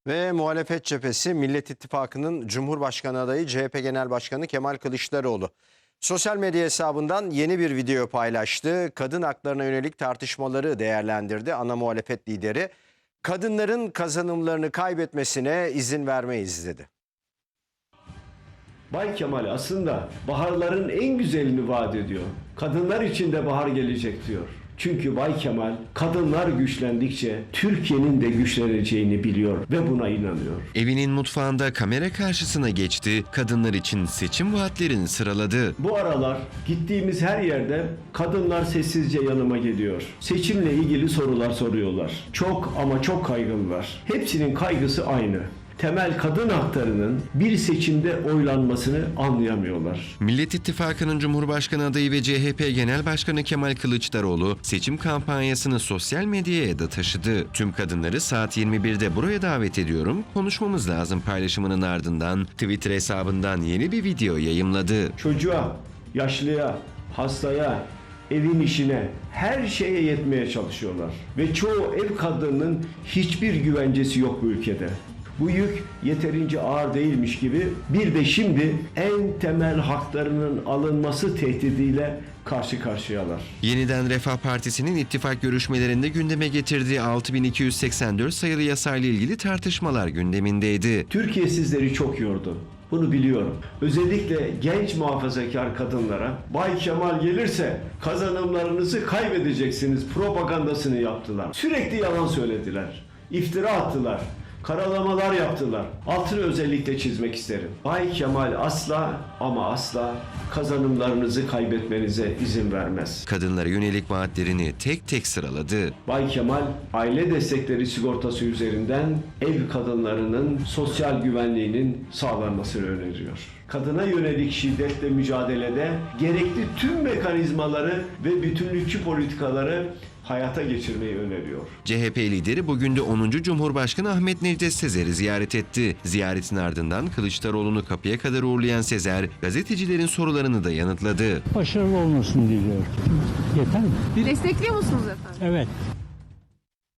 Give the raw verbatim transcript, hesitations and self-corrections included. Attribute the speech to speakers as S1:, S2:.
S1: Ve muhalefet cephesi Millet İttifakı'nın Cumhurbaşkanı adayı C H P Genel Başkanı Kemal Kılıçdaroğlu sosyal medya hesabından yeni bir video paylaştı. Kadın haklarına yönelik tartışmaları değerlendirdi. Ana muhalefet lideri kadınların kazanımlarını kaybetmesine izin vermeyiz dedi.
S2: Bay Kemal aslında baharların en güzelini vaat ediyor. Kadınlar için de bahar gelecek diyor. Çünkü Bay Kemal kadınlar güçlendikçe Türkiye'nin de güçleneceğini biliyor ve buna inanıyor.
S3: Evinin mutfağında kamera karşısına geçti, kadınlar için seçim vaatlerini sıraladı.
S2: Bu aralar gittiğimiz her yerde kadınlar sessizce yanıma geliyor. Seçimle ilgili sorular soruyorlar. Çok ama çok kaygım var. Hepsinin kaygısı aynı. Temel kadın haklarının bir seçimde oylanmasını anlayamıyorlar.
S3: Millet İttifakı'nın Cumhurbaşkanı adayı ve C H P Genel Başkanı Kemal Kılıçdaroğlu seçim kampanyasını sosyal medyaya da taşıdı. Tüm kadınları saat yirmi birde buraya davet ediyorum, konuşmamız lazım paylaşımının ardından Twitter hesabından yeni bir video yayımladı.
S2: Çocuğa, yaşlıya, hastaya, evin işine, her şeye yetmeye çalışıyorlar. Ve çoğu ev kadınının hiçbir güvencesi yok bu ülkede. Bu yük yeterince ağır değilmiş gibi bir de şimdi en temel haklarının alınması tehdidiyle karşı karşıyalar.
S3: Yeniden Refah Partisi'nin ittifak görüşmelerinde gündeme getirdiği altı bin iki yüz seksen dört sayılı yasayla ilgili tartışmalar gündemindeydi.
S2: Türkiye sizleri çok yordu. Bunu biliyorum. Özellikle genç muhafazakar kadınlara Bay Kemal gelirse kazanımlarınızı kaybedeceksiniz propagandasını yaptılar. Sürekli yalan söylediler. İftira attılar. Karalamalar yaptılar. Altını özellikle çizmek isterim. Bay Kemal asla ama asla kazanımlarınızı kaybetmenize izin vermez.
S3: Kadınlara yönelik vaatlerini tek tek sıraladı.
S2: Bay Kemal aile destekleri sigortası üzerinden ev kadınlarının sosyal güvenliğinin sağlanmasını öneriyor. Kadına yönelik şiddetle mücadelede gerekli tüm mekanizmaları ve bütünlükçü politikaları hayata geçirmeyi öneriyor.
S3: C H P lideri bugün de onuncu Cumhurbaşkanı Ahmet Necdet Sezer'i ziyaret etti. Ziyaretin ardından Kılıçdaroğlu'nu kapıya kadar uğurlayan Sezer, gazetecilerin sorularını da yanıtladı.
S4: Başarılı olmasını diliyorum. Yeter mi?
S5: Destekliyor musunuz efendim?
S4: Evet.